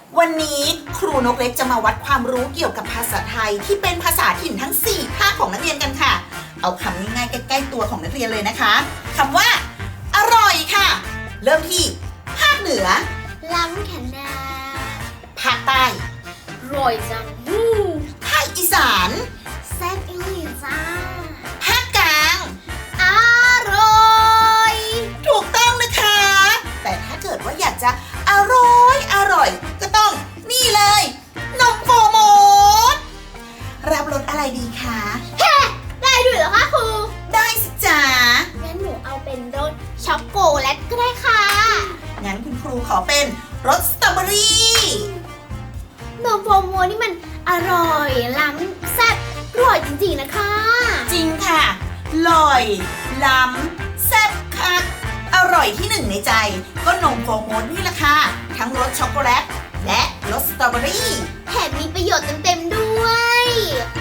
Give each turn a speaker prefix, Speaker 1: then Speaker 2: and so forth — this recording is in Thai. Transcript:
Speaker 1: วันนี้ครูนกเล็กจะมาวัดความรู้เกี่ยวกับภาษาไทยที่เป็นภาษาถิ่นทั้ง4ภาคของนักเรียนกันค่ะเอาคำง่ายๆใกล้ๆตัวของนักเรียนเลยนะคะคำว่าอร่อยค่ะเริ่มที่ภาคเหนือ
Speaker 2: ล้ำขนาด
Speaker 1: ภาคใต้
Speaker 2: ร่อยจัง
Speaker 1: ภาคอีสาน
Speaker 2: แซ่บอีหลีจ้า
Speaker 1: ภาคกลาง
Speaker 2: อร่อย
Speaker 1: ถูกต้องนะคะแต่ถ้าเกิดว่าอยากจะอร่อยก็ต้องนี่เลยนมโฟโมดรับรสอะไรดีคะ
Speaker 2: ได้ด้วยเหรอคะครู
Speaker 1: ได้สิจ๋า
Speaker 2: งั้นหนูเอาเป็นรสช็อกโกแลตก็ได้ค่ะ
Speaker 1: งั้นคุณครูขอเป็นรสสตรอเบอรี่
Speaker 2: นมโฟโมนี่มันอร่อยล้ำแซ่บอร่อยจริงๆนะคะ
Speaker 1: จริงค่ะอร่อยล้ำแซ่บคักอร่อยที่หนึ่งในใจก็นมโฟโมดนี่แหละค่ะทั้งรสช็อกโกแลตและรสสตรอเบอรี่
Speaker 2: แถมมีประโยชน์เต็มๆด้วย